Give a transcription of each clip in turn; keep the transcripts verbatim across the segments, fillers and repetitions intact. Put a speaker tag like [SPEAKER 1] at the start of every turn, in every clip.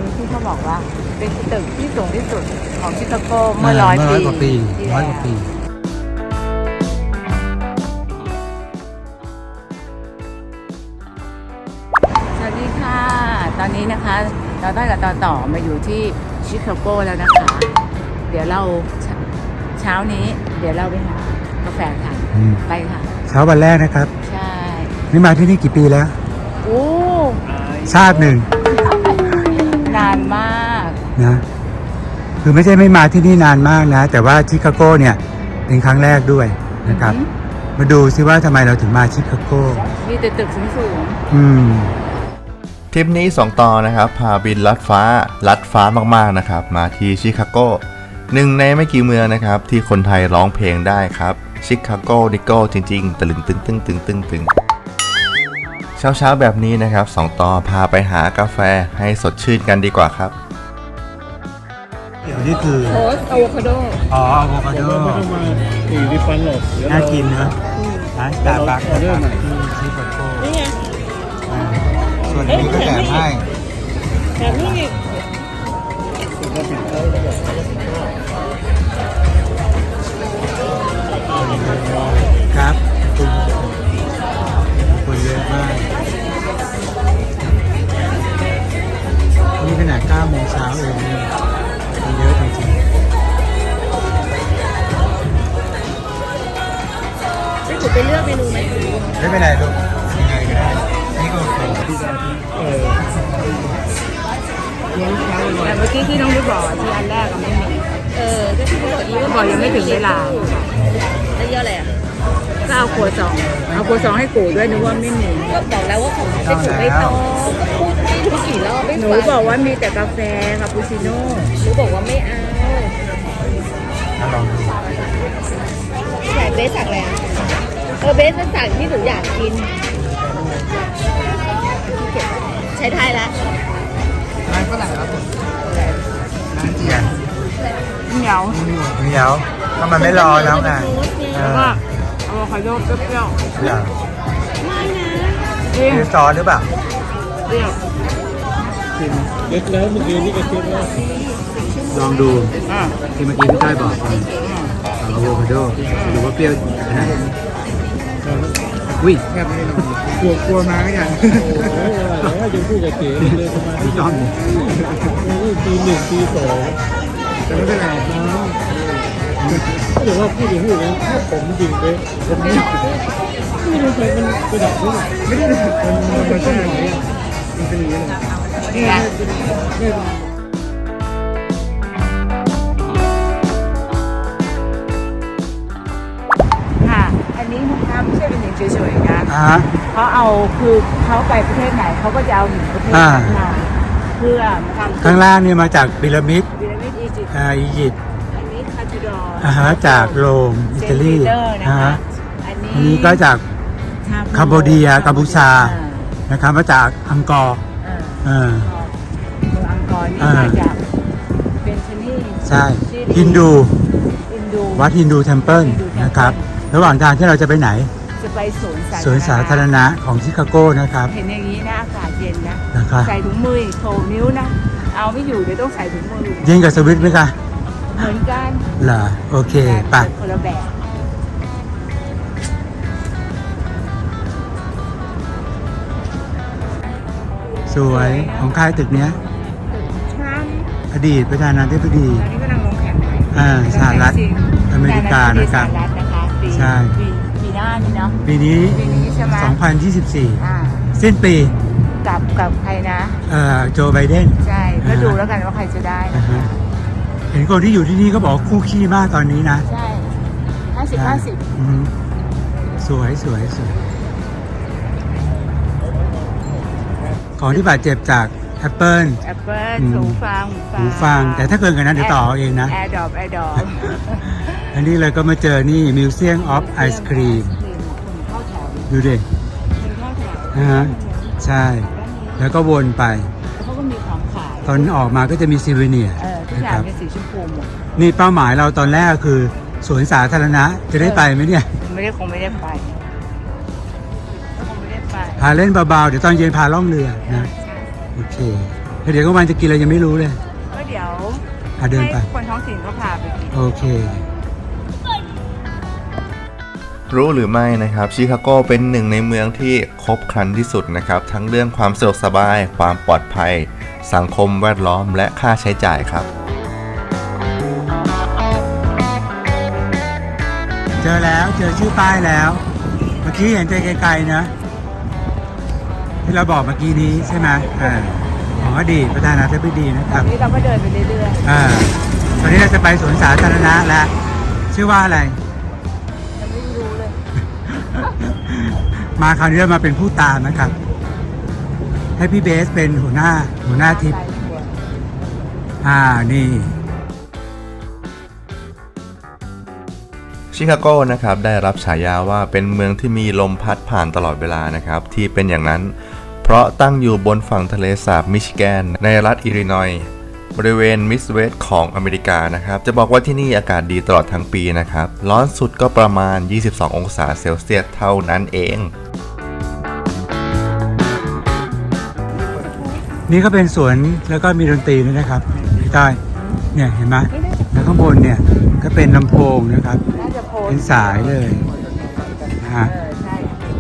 [SPEAKER 1] นี้ที่เขาบอกว่าเป็นตึกที่สูงที่สุดของชิคาโกเมื่อร้อย
[SPEAKER 2] เมื่อร้อยกว่าปี
[SPEAKER 1] ที่
[SPEAKER 2] ร้อย
[SPEAKER 1] แล้ว
[SPEAKER 2] กว่าปี
[SPEAKER 1] สวัสดีค่ะ ตอนนี้นะคะเราได้กับต่อต่อมาอยู่ที่ชิคาโกแล้วนะคะ เดี๋ยวเราเช้าเช้านี้ เดี๋ยวเราไปหากาแฟค่ะ
[SPEAKER 2] อืม
[SPEAKER 1] ไปค่ะ
[SPEAKER 2] เช้าวันแรกนะครับ
[SPEAKER 1] ใช่
[SPEAKER 2] นี่มาที่นี่กี่ปีแล้ว
[SPEAKER 1] โอ้
[SPEAKER 2] ชาติหนึ่ง
[SPEAKER 1] นานมาก
[SPEAKER 2] นะคือไม่ใช่ไม่มาที่นี่นานมากนะ แต่ว่าชิคาโกเนี่ยเป็นครั้งแรกด้วยนะครับ
[SPEAKER 1] อือหื
[SPEAKER 2] มาดูซิว่าทำไมเราถึงมาชิคาโก
[SPEAKER 1] มีแต่ตึกสูง
[SPEAKER 2] อืม
[SPEAKER 3] ทริปนี้สองต่อนะครับพาบินลัดฟ้าลัดฟ้ามากๆนะครับมาที่ชิคาโกหนึ่งในไม่กี่เมืองนะครับที่คนไทยร้องเพลงได้ครับชิคาโกดิโก้จริงๆตะลึงตึงตึงตึงตึงตึงเช้าๆแบบนี้นะครับสองต่อพาไปหากาแฟให้สดชื่นกันดีกว่าครับ
[SPEAKER 2] เดี๋ยวนี่คือ
[SPEAKER 1] ๆโพสอะโวคาโด
[SPEAKER 2] อ๋ออะโวคาโด
[SPEAKER 4] ไม่ต้องมาสี่ริฟันหรอกเดี๋ยว
[SPEAKER 2] น่า
[SPEAKER 4] เรา
[SPEAKER 2] กินนะร้านสตาร์บัคนะครับที่ชิคาโก
[SPEAKER 4] นี่ไง
[SPEAKER 2] อ่าส่วนนี้ก็แถมให้
[SPEAKER 4] แถมนี่อีก
[SPEAKER 2] ครับคุณคนเยอะมากนี่ขนาดเก้าโมงเช้าเองเนี่ยคนเยอะจริง
[SPEAKER 1] จะถูกไปเลือกเมนูไหม
[SPEAKER 2] ๆไม่เป็นไรลูกยังไงก็ได้นี่ก็โอเค
[SPEAKER 4] เออ
[SPEAKER 1] แต่เมื่อกี้ที่น้องยุบอกที่อันแรกก็ไม่มี
[SPEAKER 5] เออก็ที่เขาบอกอีว่า
[SPEAKER 1] บอกยังไม่ถึงเวลา
[SPEAKER 5] แล้วเยอะอะไรอ่ะ
[SPEAKER 1] ก็เอาครัวซอง เอาครัวซองให้กูด้วยนึกว่าไม่มี
[SPEAKER 5] ก็บอกแล้วว่าของเป็นถุงใบตองก็พูดไม่รู้กี่รอบไม่
[SPEAKER 1] หนู
[SPEAKER 5] ฟัง
[SPEAKER 1] บอกว่ามีแต่กาแฟคาปูชิโน่
[SPEAKER 5] หนูบอกว่าไม่เอา
[SPEAKER 2] ถ้าลองดู
[SPEAKER 5] แต่เบสสั่งอะไรอ่ะเออเบสมันสั่งที่หนูอยากกินใช้ไทยละ
[SPEAKER 2] ร้านฝรั่งครับผมร้านเจียน
[SPEAKER 1] เหนียว
[SPEAKER 2] เดี๋ยวก็มันไม่รอแล้วไงเอ
[SPEAKER 1] แล้ว
[SPEAKER 2] อ
[SPEAKER 1] ก็อะโวคาโดเปรี้ยว
[SPEAKER 2] เหรอ
[SPEAKER 5] ไม่นะ
[SPEAKER 1] ๆจริง
[SPEAKER 2] คือซอสหรือเปล่า
[SPEAKER 1] เปรี้ยว
[SPEAKER 4] กินเล็กแล้วเมื่อกี้นี่ก็คิดว่า
[SPEAKER 2] ลองดู
[SPEAKER 1] อ่ะ
[SPEAKER 2] ที่เมื่อกี้พี่ต้อยบอกอะโวคาโดดูว่าเปรี้ยวขนาดไหนวิ่งแค่ไม่ลองกลัวกลัวมาไม่ยัง
[SPEAKER 4] โอ้ยอะไรแล้วยังพูดกับเก๋เลยประมาณ
[SPEAKER 2] ไม่
[SPEAKER 4] ที่
[SPEAKER 2] ต้อง
[SPEAKER 4] ปีหนึ่งปีสอง
[SPEAKER 2] แต่ไม่เป็นไร
[SPEAKER 4] ก็เดี๋ยวว่าพูดอย่างพูดนะถ้าผมจริงเลยผมไม่ไม่รู้ใครมันกระดับนี่
[SPEAKER 2] ไม่ได้มันมันมันใช่ไหม
[SPEAKER 4] มันเป็นอย่างนี้เลย
[SPEAKER 1] นี่ไง
[SPEAKER 4] ไม่
[SPEAKER 1] ค่ะ อันนี้นะคะไม่ใช่เป็นหญิงเฉยๆนะ
[SPEAKER 2] อ่า
[SPEAKER 1] เขาเอาคือเขาไปประเทศไหนเขาก็จะเอาหญิงประเทศ
[SPEAKER 2] อ่า
[SPEAKER 1] นั้นมาเพื่อทำ
[SPEAKER 2] ข้างล่างนี่มาจากพีระมิด
[SPEAKER 1] พีระมิดอียิปต์
[SPEAKER 2] อ่าอียิปต์
[SPEAKER 1] อันนี้คาทูดอร์
[SPEAKER 2] อ่าฮะจากโรมอิตาลี
[SPEAKER 1] เซนต์ปีเตอร์นะ
[SPEAKER 2] อ่า
[SPEAKER 1] คะ
[SPEAKER 2] ฮะ
[SPEAKER 1] อัน
[SPEAKER 2] อัน
[SPEAKER 1] นี้
[SPEAKER 2] นี้ก็จาก
[SPEAKER 1] ชาบู
[SPEAKER 2] คัมโบเดียกัมพูชา
[SPEAKER 1] อ่
[SPEAKER 2] นะครับมาจากอังกอร์
[SPEAKER 1] อ่า
[SPEAKER 2] อ่า
[SPEAKER 1] เมืองอังกอร์นี่
[SPEAKER 2] อ่าม
[SPEAKER 1] มาจากเป็นชนี
[SPEAKER 2] ใช่ฮินดู
[SPEAKER 1] ฮินดู
[SPEAKER 2] วัดฮินดูเทมเพิลนะครับ ระหว่างทางที่เราจะไปไหน
[SPEAKER 1] จะไปสวนสา
[SPEAKER 2] สวนสาธารณะของชิคาโกนะครับ
[SPEAKER 1] เห็นอย่างนี้นะอากาศเย็นนะ
[SPEAKER 2] นะครับ
[SPEAKER 1] ใส่ถุงมืออีกโถนิ้วนะ เอาไม่อยู่เดี๋ยวต้องใส่ถุงมือ
[SPEAKER 2] เย็นกับสวิตไหมคะ
[SPEAKER 1] เหมือนกัน
[SPEAKER 2] เหรอโอเคไป
[SPEAKER 1] แต่คนละแบบ
[SPEAKER 2] สวยของค่ายตึกเนี้ย
[SPEAKER 1] ทรัมป์
[SPEAKER 2] อดีตประธานาธิบดี
[SPEAKER 1] ตอนนี้กำลังลงแข่งใหม่
[SPEAKER 2] อ่าสหรัฐอเมริกานะครับ
[SPEAKER 1] สหรัฐนะคะปี
[SPEAKER 2] ใช่
[SPEAKER 1] ปีปีหน้านี่เนาะ
[SPEAKER 2] ปีนี้
[SPEAKER 1] ปีนี้ใช่ไหม
[SPEAKER 2] สองพันยี่สิบสี่
[SPEAKER 1] อ่า
[SPEAKER 2] สิ้นปี
[SPEAKER 1] กับกับใครนะ
[SPEAKER 2] เอ่อโจไบเดน
[SPEAKER 1] ใช่ ก็ดูแล้วกันว่าใครจะได้
[SPEAKER 2] อ่า
[SPEAKER 1] นะ
[SPEAKER 2] ฮะ
[SPEAKER 1] คะ
[SPEAKER 2] เห็นคนที่อยู่ที่นี่ก็บอกคู่ขี้มากตอนนี้นะ
[SPEAKER 1] ใช่ห้าสิบห้าสิบ
[SPEAKER 2] อืมสวยสวยสวยของที่บาดเจ็บจาก Apple
[SPEAKER 1] แอปเปิล
[SPEAKER 2] อืม
[SPEAKER 1] หูฟัง
[SPEAKER 2] หูฟัง แต่ถ้าเกินกว่านั้นเดี๋ยวต่อเอาเองนะ
[SPEAKER 1] แอร์ดรอปแอร์ดรอป
[SPEAKER 2] อันนี้เลยก็มาเจอนี่ Museum of Ice Cream
[SPEAKER 1] เข้าแถว
[SPEAKER 2] ดูดิ
[SPEAKER 1] เป็นเข้าแถว
[SPEAKER 2] นะฮะใช่ แล้วก็วนไป
[SPEAKER 1] แล้วเขาก็มีของขาย
[SPEAKER 2] ตอนออกมาก็จะมีซีเวเนีย
[SPEAKER 1] เออทุกอย่างเป็นสีชมพูหมด
[SPEAKER 2] นี่เป้าหมายเราตอนแรกคือสวนสาธารณะจะได้ไปไหมเนี่ย
[SPEAKER 1] ไม่ได้คงไม่ได้ไปคงไม่ได้ไป
[SPEAKER 2] พาเล่นเบาๆ เดี๋ยวตอนเย็นพาล่องเรือนะ โอเคเดี๋ยวก็มันจะกินอะไรยังไม่รู้เลย
[SPEAKER 1] ก็เดี๋ยว
[SPEAKER 2] อ่ะเดินไป
[SPEAKER 1] ให้คนท้องถิ่นก็พาไปกิน
[SPEAKER 2] โอเค
[SPEAKER 3] รู้หรือไม่นะครับชิคาโกเป็นหนึ่งในเมืองที่ครบครันที่สุดนะครับ ทั้งเรื่องความสะดวกสบาย ความปลอดภัย สังคมแวดล้อมและค่าใช้จ่ายครับ
[SPEAKER 2] เจอแล้วเจอชื่อป้ายแล้ว เมื่อกี้เห็นใจไกลๆนะ ที่เราบอกเมื่อกี้นี้ใช่ไหมอ่าของอดีตประธานาธิบดีนะครับ
[SPEAKER 1] นี่เราก็เดินไปเรื่อย
[SPEAKER 2] อ่าตอนนี้เราจะไปสวนสาธารณะแล้ว ชื่อว่าอะไร
[SPEAKER 1] ๆยังไม่รู้เลย
[SPEAKER 2] มาคราวนี้เรามาเป็นผู้ตามนะครับ ให้พี่เบสเป็นหัวหน้าหัวหน้าทริปอ่านี่
[SPEAKER 3] ชิคาโกนะครับได้รับฉายาว่าเป็นเมืองที่มีลมพัดผ่านตลอดเวลานะครับที่เป็นอย่างนั้น เพราะตั้งอยู่บนฝั่งทะเลสาบมิชิแกนในรัฐอิลลินอยส์บริเวณมิดเวสต์ของอเมริกานะครับจะบอกว่าที่นี่อากาศดีตลอดทั้งปีนะครับร้อนสุดก็ประมาณยี่สิบสององศาเซลเซียสเท่านั้นเอง
[SPEAKER 2] นี่ก็เป็นสวนแล้วก็มีดนตรีด้วยนะครับพี่ต้อยเนี่ยเห็นไหมแล้วข้างบนเนี่ยก็เป็นลำโพงนะครับ
[SPEAKER 1] น่าจะโพส
[SPEAKER 2] เป็นสายเลยนะฮะ
[SPEAKER 1] เออใช่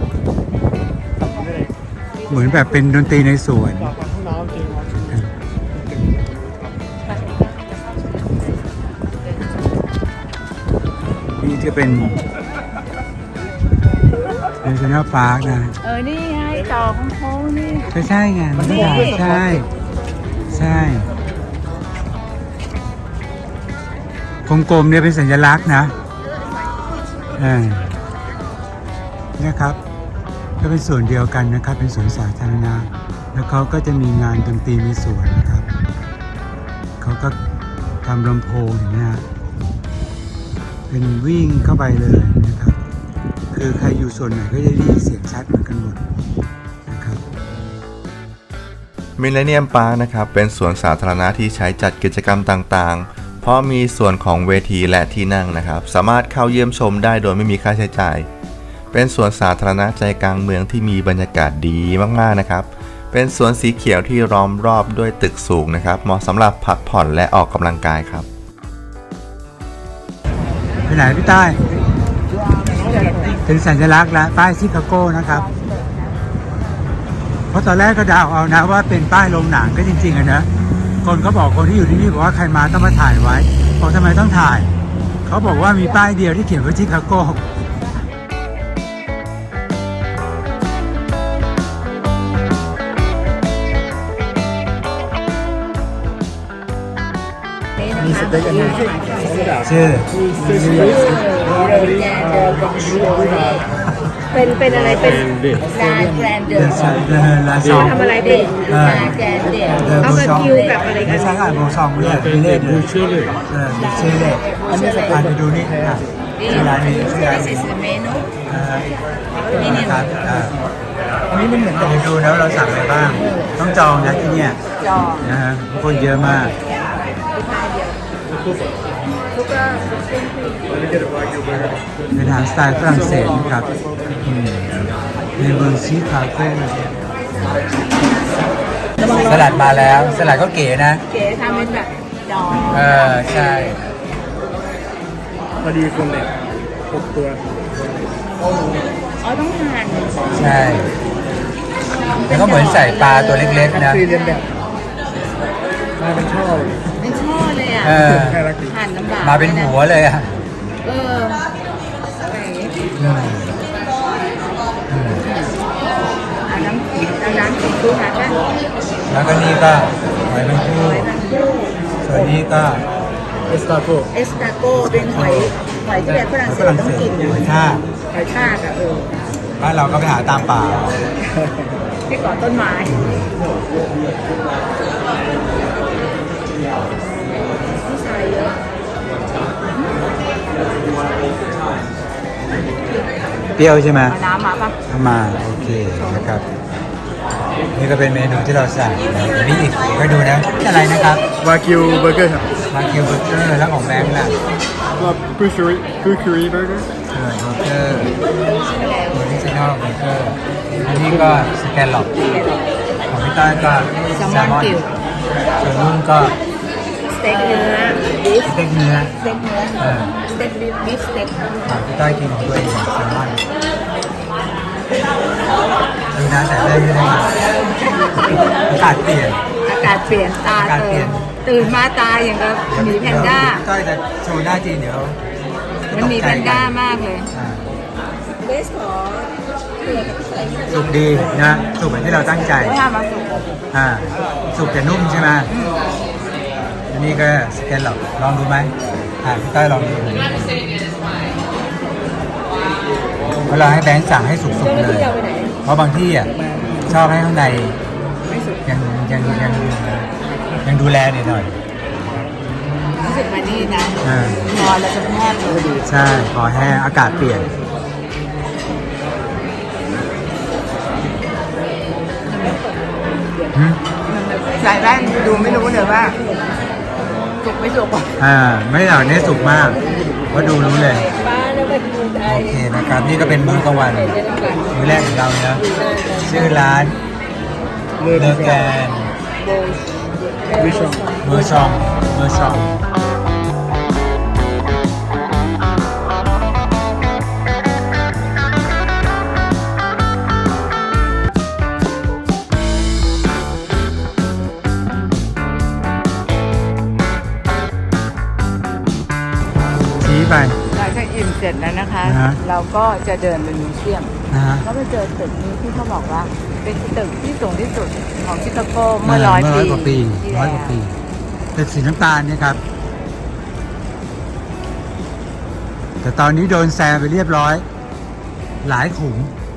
[SPEAKER 2] เหมือนแบบเป็นดนตรีในสวน
[SPEAKER 4] ห้องน้ำจริงวะ
[SPEAKER 2] นี่จะเป็น National Park นะ
[SPEAKER 1] เออ นี่ไงต่อของโค้งนี่
[SPEAKER 2] ใช่ใช่ไงมันก็ได้ใช่ ใช่กลมๆเนี่ยเป็นสัญลักษณ์นะอ่าเนี่ยครับ ก็เป็นส่วนเดียวกันนะครับ เป็นสวนสาธารณะแล้วเขาก็จะมีงานดนตรีในสวนนะครับเขาก็ทำลำโพงเห็นไหมฮะเป็นวิ่งเข้าไปเลยนะครับ คือใครอยู่ส่วนไหนก็จะได้ยินเสียงชัดเหมือนกันหมดนะครับ
[SPEAKER 3] มิลเลนเนียมพาร์คนะครับเป็นสวนสาธารณะที่ใช้จัดกิจกรรมต่างๆ เพราะมีส่วนของเวทีและที่นั่งนะครับ สามารถเข้าเยี่ยมชมได้โดยไม่มีค่าใช้จ่าย เป็นสวนสาธารณะใจกลางเมืองที่มีบรรยากาศดีมากๆนะครับ เป็นสวนสีเขียวที่ล้อมรอบด้วยตึกสูงนะครับเหมาะสำหรับพักผ่อนและออกกำลังกายครับ
[SPEAKER 2] ไปไหนพี่ใต้เป็นสัญลักษณ์และป้ายชิคาโก้นะครับ เพราะตอนแรกก็เดาเอานะว่าเป็นป้ายโรงหนังก็จริงๆอะนะคนเขาบอกคนที่อยู่ที่นี่บอกว่าใครมาต้องมาถ่ายไว้บอกทำไมต้องถ่ายเขาบอกว่ามีป้ายเดียวที่เขียนว่าชิคาโก้
[SPEAKER 4] มีสเต็กอันนี้ชื่อ
[SPEAKER 2] ชื่อ
[SPEAKER 5] เป็นเป็นอะไรเป็น
[SPEAKER 1] ลาแกรนเดอ
[SPEAKER 2] เด
[SPEAKER 1] ร์
[SPEAKER 2] ซเดอลาซอง
[SPEAKER 5] ทำอะไรเป็น
[SPEAKER 2] เออ
[SPEAKER 1] ลาแกรนเดอร์
[SPEAKER 2] เดอ
[SPEAKER 5] เอา
[SPEAKER 2] โบ
[SPEAKER 5] มา
[SPEAKER 2] ซอง
[SPEAKER 5] คิวกับอะไรกัน
[SPEAKER 2] ไม่ใช่อ่านโบซองไม่ใช่ไม่เล่น
[SPEAKER 4] บูเชื่อเลย
[SPEAKER 2] เออมีชื่อเลยอันนี้อ่านไปดูนี่อ่ะชื่อร้านนี้ชื่อร้าน
[SPEAKER 1] This
[SPEAKER 2] นี้
[SPEAKER 1] is the menu
[SPEAKER 2] เออนะครับอ่าอันนี้มันเหมือนกันดูแล้วเราสั่งอะไรบ้าง ต้องจองนะที่เนี่ย
[SPEAKER 1] จอ
[SPEAKER 2] นะฮะคนเยอะมาก
[SPEAKER 1] ทุกก็
[SPEAKER 2] เป็นอาหารสไตล์ฝรั่งเศสนะครับอืมในเมืองชิคาโกสลัดมาแล้ว สลัดก็เก๋นะ
[SPEAKER 1] เก๋ทำเป็นแบบจอ
[SPEAKER 2] เออ ใช่
[SPEAKER 4] พอดีคนเนี่ยหกตัว
[SPEAKER 1] อ๋อต้องหั่น
[SPEAKER 2] ใช่ แล้วก็เหมือนใส่ปลาตัวเล็กๆนะ
[SPEAKER 4] ซีเรียนแบบมาเป็นช่อเลย
[SPEAKER 1] เป็นช่อเลยอ่ะ
[SPEAKER 2] เออ
[SPEAKER 4] น่ารักดี
[SPEAKER 1] หั่นลำบาก
[SPEAKER 2] มาเป็นหัวเลยอ่ะ
[SPEAKER 1] เออ
[SPEAKER 2] อืมอืม
[SPEAKER 1] เอาน้ำเอาน้ำสีดูหั่นป่ะ
[SPEAKER 2] แล้วก็นี่ก็หอยแมงภู่ส่วนนี้ก็
[SPEAKER 4] เอสตาโก
[SPEAKER 1] เอสตาโกเป็นหอยหอยที่แบบฝรั่งเศ
[SPEAKER 2] ฝ
[SPEAKER 1] ส
[SPEAKER 2] รั่ง
[SPEAKER 1] ต้อ
[SPEAKER 2] เศ
[SPEAKER 1] ง
[SPEAKER 2] ส
[SPEAKER 1] กิน
[SPEAKER 2] หอยทาก
[SPEAKER 1] หอยทากอ่ะเออ
[SPEAKER 2] บ้านเราก็ไปหาตามป่า
[SPEAKER 1] ที่เกาะต้นไม้
[SPEAKER 2] เปรี้ยวใช่ไหม
[SPEAKER 1] เอาน้ำมาป่ะ
[SPEAKER 2] เอามาโอเคนะครับ นี่ก็เป็นเมนูที่เราสั่งนะเดี๋ยวนี้อีกก็ดูนะอะไรนะครับ
[SPEAKER 4] วากิวเบอร์เกอร์ครับ
[SPEAKER 2] มาคิวเบอร์เกอร์แล้วของแบงค์ล่ะ
[SPEAKER 4] ก็กูชูริกูชูริเบอร์เกอร์
[SPEAKER 2] เออเบอร์เกอร์ออริจินอลเบอร์เกอร์อันนี้ก็สแกนหลอกของพี่ต้อยก็แซลมอนส่วนนุ่นก็
[SPEAKER 5] สเต็กเนื้อบีฟ
[SPEAKER 2] สเต็กเนื้อ
[SPEAKER 5] สเต็กเนื้อ
[SPEAKER 2] เออ
[SPEAKER 5] สเต็กบีฟบีฟสเต็ก
[SPEAKER 2] อ่าพี่ต้อยกินของตัวเองแซลมอนดูนะแต่ได้ไม่ได้อากาศเปลี่ยน
[SPEAKER 1] อากาศเปลี่ยนตา
[SPEAKER 2] อากาศเปลี่ยน
[SPEAKER 1] ตื่นมาตาอย่างกับหมีแพนด้า
[SPEAKER 2] พี่ต้อยจะโชว์หน้าจริงเดี๋ยว
[SPEAKER 1] มันหมีแพนด้ามากเลย
[SPEAKER 2] อ่า
[SPEAKER 5] เบสขอเกลือกับอะไรนิดหน่อย
[SPEAKER 2] สุกดีนะสุกเหมือนที่เราตั้งใจ
[SPEAKER 1] ถ้ามาสุก
[SPEAKER 2] อ่าสุกแต่นุ่มใช่ไหมอันนี้ก็สแกนหรอกลองดูไหมอ่าพี่ต้อยลองดูเวลาให้แบงค์สั่งให้สุกๆ
[SPEAKER 5] เจ้าหน้า
[SPEAKER 2] เล
[SPEAKER 5] ที่
[SPEAKER 2] ย
[SPEAKER 5] เอาไปไหน
[SPEAKER 2] เพราะบางที่อ่ะชอบให้ข้างในยังยังยังยังดูแลหน่อยหน่อย
[SPEAKER 1] รู้สึกมานี่นะ
[SPEAKER 2] อ่า
[SPEAKER 1] นอนแล้วจะแทบเลยดี
[SPEAKER 2] ใช่ขอแห้งอากาศเปลี่ยนหืม
[SPEAKER 1] ใส่แว่นดูไม่รู้เลยว่าสุกไม่สุก
[SPEAKER 2] อ่าไม่หรอกเนี่ยสุกมากเพราะดูรู้เลย
[SPEAKER 5] ป้าแล้วไปกินไอ้
[SPEAKER 2] โอเคนะครับ นี่ก็เป็นมื้อกลางวันมื้อแรกของเราเนาะชื่อร้านเลอแกน
[SPEAKER 4] วิชอง
[SPEAKER 2] เมอร์ชองเมอร์ชองชี้ไป
[SPEAKER 1] หลังจากอิ่มเสร็จแล้วนะคะ
[SPEAKER 2] นะฮะ
[SPEAKER 1] เราก็จะเดินไปมิวเซียม
[SPEAKER 2] นะฮะ
[SPEAKER 1] ก็ไปเจอตึกนี้ที่เขาบอกว่า เป็นตึกที่สูงที่สุดของชิคาโกเมื่อร้อย
[SPEAKER 2] เมื่อ
[SPEAKER 1] ปี
[SPEAKER 2] ร้อยกว่าปี
[SPEAKER 1] ที่
[SPEAKER 2] ร้อย
[SPEAKER 1] แล้ว
[SPEAKER 2] กว่าปีตึกสีน้ำตาลเนี่ยครับ แต่ตอนนี้โดนแซงไปเรียบร้อย หลายขุม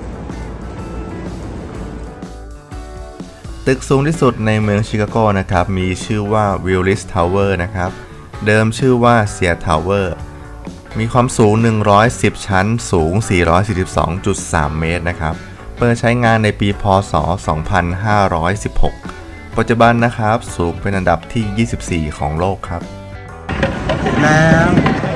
[SPEAKER 3] ตึกสูงที่สุดในเมืองชิคาโกนะครับมีชื่อว่าวิลลิสทาวเวอร์นะครับเดิมชื่อว่าเซียทาวเวอร์มีความสูงหนึ่งร้อยสิบชั้นสูง สี่ร้อยสี่สิบสองจุดสาม เมตรนะครับเปิดใช้งานในปี พ.ศ. สองพันห้าร้อยสิบหก ปัจจุบันนะครับสูงเป็นอันดับที่ ยี่สิบสี่ ของโลกครับ
[SPEAKER 2] แล้ว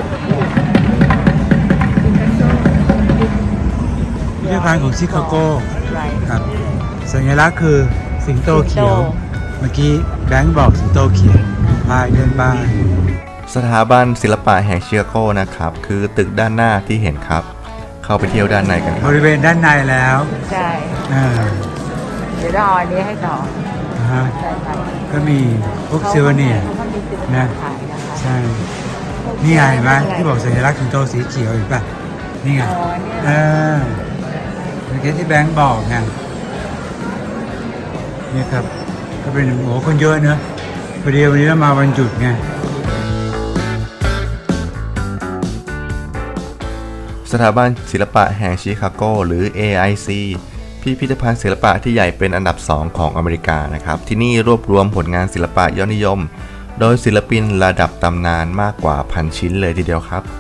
[SPEAKER 2] พิพิธภัณฑ์ของชิคาโกครับสัญลักษณ์คือสิงโตเขียว เมื่อกี้แบงค์บอกสิงโตเขียวพายเดินบ้าน
[SPEAKER 3] สถาบันศิลปะแห่งชิคาโกนะครับคือตึกด้านหน้าที่เห็นครับ เข้าไปเที่ยวด้านในกันครับ
[SPEAKER 2] บริเวณด้านในแล้ว
[SPEAKER 1] ใช่
[SPEAKER 2] อ่า
[SPEAKER 1] เดี๋ยวเราเอาอันนี้ให้ต่อ
[SPEAKER 2] นะฮะ
[SPEAKER 1] ใช่ค่ะ
[SPEAKER 2] ก็มีพวกซิวเนียร์
[SPEAKER 1] เขาก็มีซิวเนีย
[SPEAKER 2] นะ
[SPEAKER 1] ร์ขายนะคะ
[SPEAKER 2] ใช่ นี่ไงเห็นไหมที่บอกสัญลักษณ์สิงโตสีเขียวเห็นป่ะ นี่ไง
[SPEAKER 1] อ๋อเนี่ย
[SPEAKER 2] เออเมื่อกี้ที่แบงค์บอกไงนี่ครับ ก็เป็นโอ้คนเยอะเนอะพอดีวันนี้เรามาวันหยุดไง
[SPEAKER 3] สถาบันศิลปะแห่งชิคาโกหรือ เอ ไอ ซี พิพิธภัณฑ์ศิลปะที่ใหญ่เป็นอันดับสองของอเมริกานะครับ ที่นี่รวบรวมผลงานศิลปะยอดนิยม โดยศิลปินระดับตำนานมากกว่าพันชิ้นเลยทีเดียวครับ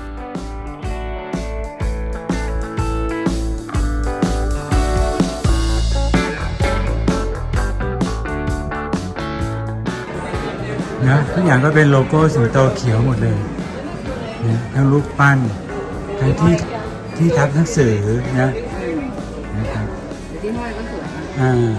[SPEAKER 2] นะทุกอย่างก็เป็นโลโก้สิงโตเขียวหมดเลยนะทั้งรูปปั้นทั้งที่ที่ทับหนังสือนะนะครับ
[SPEAKER 1] ที่ห้อยก็สวยนะ
[SPEAKER 2] อ่า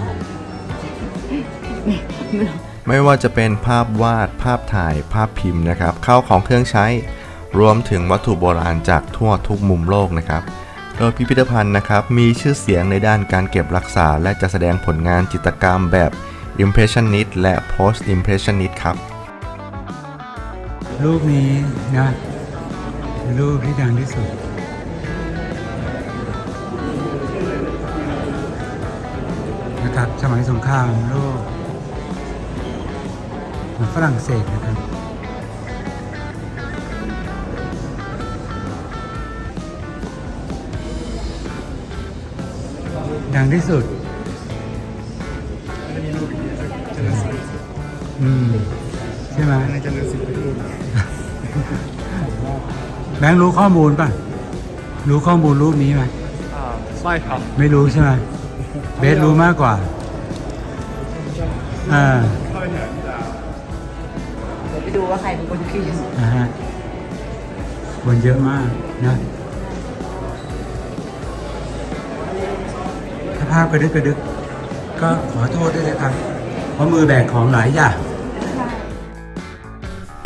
[SPEAKER 3] ไม่ว่าจะเป็นภาพวาดภาพถ่ายภาพพิมพ์นะครับข้าวของเครื่องใช้ รวมถึงวัตถุโบราณจากทั่วทุกมุมโลกนะครับโดยพิพิธภัณฑ์นะครับมีชื่อเสียงในด้านการเก็บรักษาและจะแสดงผลงานจิตรกรรมแบบ Impressionist และ Post Impressionist ครับ
[SPEAKER 2] รูปนี้นะเป็นรูปที่ดังที่สุดนะครับสมัยสงครามโลกของฝรั่งเศสนะครับดังที่สุดอืมใช่ไหม
[SPEAKER 4] ในเจริญสิทธิ์ไปดู
[SPEAKER 2] แบงค์รู้ข้อมูลป่ะ รู้ข้อมูลรูปนี้ไหม
[SPEAKER 4] ไม่ครับ
[SPEAKER 2] ไม่รู้ใช่ไหมเบสรู้มากกว่า อ่า
[SPEAKER 1] เดี๋ยวไปดูว่าใครเป็นคนคิด
[SPEAKER 2] นะฮะคนเยอะมากนะถ้าภาพกระดึกกระดึกก็ขอโทษด้วยนะครับ เพราะมือแบกของหลายอย่าง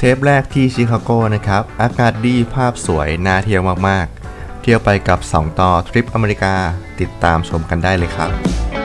[SPEAKER 3] ปแรกที่ชิคาโกนะครับอากาศดีภาพสวยน่าเที่ยวมากๆเที่ยวไปกับสองต่อทริปอเมริกาติดตามชมกันได้เลยครับ